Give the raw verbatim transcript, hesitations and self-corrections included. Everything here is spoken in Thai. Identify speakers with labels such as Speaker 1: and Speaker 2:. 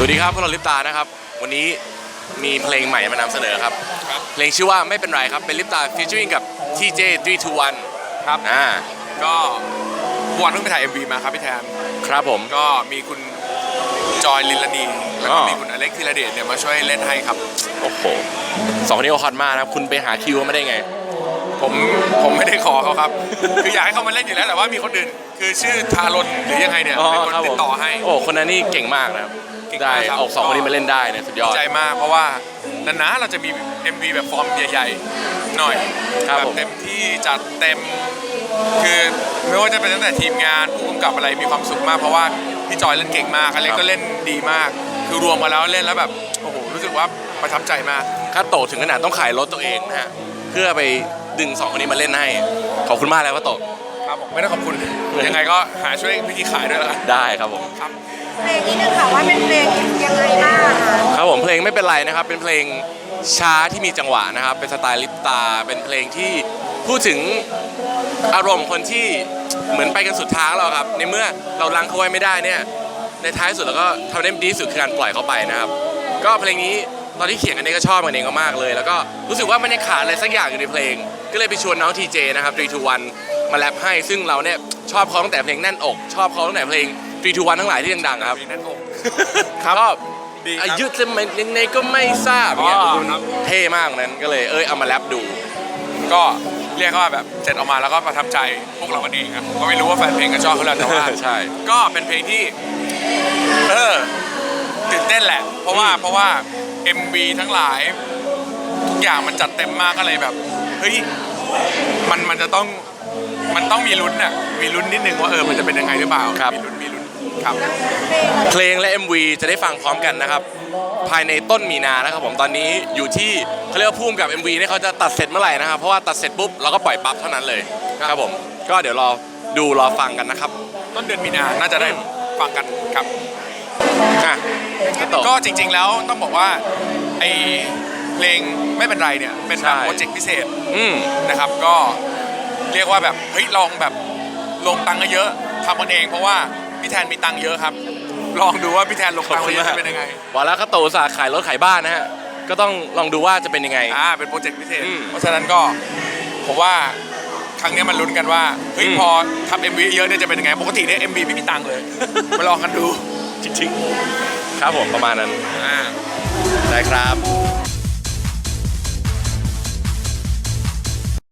Speaker 1: วัสดีครับพวกเราลิปตานะครับวันนี้มีเพลงใหม่มานำเสนอครับเพลงชื่อว่าไม่เป็นไรครับเป็นลิปตาฟีเจอริ่งกับ ที เจ สาม สอง หนึ่ง
Speaker 2: ครับ
Speaker 1: อ่า
Speaker 2: ก็วันเพิ่งไปถ่าย เอ็ม วี มาครับพี่แทน
Speaker 1: ครับผม
Speaker 2: ก็มีคุณจอยลิลลานีแล้วก็มีคุณอเล็กธีรเดชเนี่ยมาช่วยเล่นให้ครับ
Speaker 1: โอ้โหสองคนนี้ก็ฮอตมากนะครับคุณไปหาคิวมาได้ไง
Speaker 2: ผมผมไม่ได้ขอเขาครับ คืออยากให้เขามาเล่นอยู่แล้วแต่ว่ามีคนอื่นคือชื่อทารนหรือยังไงเนี่ยเป็นคนติดต่อให้
Speaker 1: โอ้คนนั้นนี่เก่งมากนะครับได้ออกสองคนนี้มาเล่นได้เนี่ยสุดยอด
Speaker 2: ใจมากเพราะว่านานๆเราจะมี เอ็ม วี แบบฟอร์มใหญ่ๆหน่อยแบบเต็มที่จัดเต็มคือไม่ว่าจะเป็นตั้งแต่ทีมงานผู้กำกับอะไรมีความสุขมากเพราะว่าพี่จอยเล่นเก่งมากอะไรก็เล่นดีมากคือรวมมาแล้วเล่นแล้วแบบโอ้โหรู้สึกว่าประทับใจมาก
Speaker 1: คาโตะถึงขนาดต้องขายรถตัวเองนะฮะเพื่อไปดึงสองคนนี้มาเล่นให้ขอบคุณมากแล้วคาโตะ
Speaker 2: ครับผมไม่ได้ขอบคุณยังไงก็หาช่วยพี่กีขายด้วยแล้วกัน
Speaker 1: ได้ครับผม
Speaker 2: ครับ
Speaker 3: เพลงนี้นึงค่ะว่าเป็นเพลงยังไงบ้าง
Speaker 1: ครับผมเพลงไม่เป็นไรนะครับเป็นเพลงช้าที่มีจังหวะนะครับเป็นสไตล์ลิปตาเป็นเพลงที่พูดถึงอารมณ์คนที่เหมือนไปกันสุดทางแล้วครับในเมื่อเราลังเขาไว้ไม่ได้เนี่ยในท้ายสุดเราก็ทำได้ดีที่สุดคือการปล่อยเขาไปนะครับก็เพลงนี้ตอนที่เขียนกันเองก็ชอบกันเองมากเลยแล้วก็รู้สึกว่ามันยังขาดอะไรสักอย่างอยู่ในเพลงก็เลยไปชวนน้องทีเจนะครับสาม สอง หนึ่งมาแรปให้ซึ่งเราเนี่ยชอบเขาตั้งแต่เพลงแน่นอกชอบเขาตั้งแต่เพลงสาม สอง หนึ่งทั้งหลายที่ดังๆครับ
Speaker 2: แน่นอก
Speaker 1: ครับอายุจะมันยังไงก็ไม่ทราบเนี่ยเท่มากนั้นก็เลยเอ้ยเอามาแรปดู
Speaker 2: ก็เรียกว่าแบบเสร็จออกมาแล้วก็ประทับใจพวกเรากันเองครับก็ไม่รู้ว่าแฟนเพลงก็ชอบเขาแล้วแต่ว่า
Speaker 1: ใช่
Speaker 2: ก็เป็นเพลงที่เออตื่นเต้นแหละเพราะว่าเพราะว่า เอ็ม วี ทั้งหลายทุกอย่างมันจัดเต็มมากก็เลยแบบเฮ้ยมันมันจะต้องมันต้องมีลุ้นอ่ะมีลุ้นนิดนึงว่าเออมันจะเป็นยังไงหรือเปล่ามีลุ้นมีลุ้นครับ
Speaker 1: เพลงและ เอ็ม วี จะได้ฟังพร้อมกันนะครับภายในต้นมีนานะครับผมตอนนี้อยู่ที่เขาเรียกว่าพุ่มกับ เอ็ม วี เนี่ยเขาจะตัดเสร็จเมื่อไหร่นะครับเพราะว่าตัดเสร็จปุ๊บเราก็ปล่อยปั๊บเท่านั้นเลยครับผมก็เดี๋ยวรอดูรอฟังกันนะครับ
Speaker 2: ต้นเดือนมีนาน่าจะได้ฟังกันครับ
Speaker 1: ก็
Speaker 2: จริงๆแล้วต้องบอกว่าไอเพลงไม่เป็นไรเนี่ยเป็นแบบโปรเจกต์พิเศษนะครับก็เรียกว่าแบบเฮ้ยลองแบบลงตังค์เยอะทำกันเองเพราะว่าพี่แทนมีตังค์เยอะครับลองดูว่าพี่แทนลงตังค์เยอะจะเป็นยังไง
Speaker 1: วันแล้วคาโตะศาสตร์ขายรถขายบ้านนะฮะก็ต้องลองดูว่าจะเป็นยังไง
Speaker 2: อ่าเป็นโปรเจกต์พิเศษเพราะฉะนั้นก็ผมว่าครั้งนี้มันลุ้นกันว่าเฮ้ยพอทำ เอ็ม วี เยอะเนี่ยจะเป็นยังไงปกติเนี่ย เอ็ม วี ไม่มีตังค์เลยมาลองกันดู
Speaker 1: จริงๆครับผมประมาณนั้นได้ครับ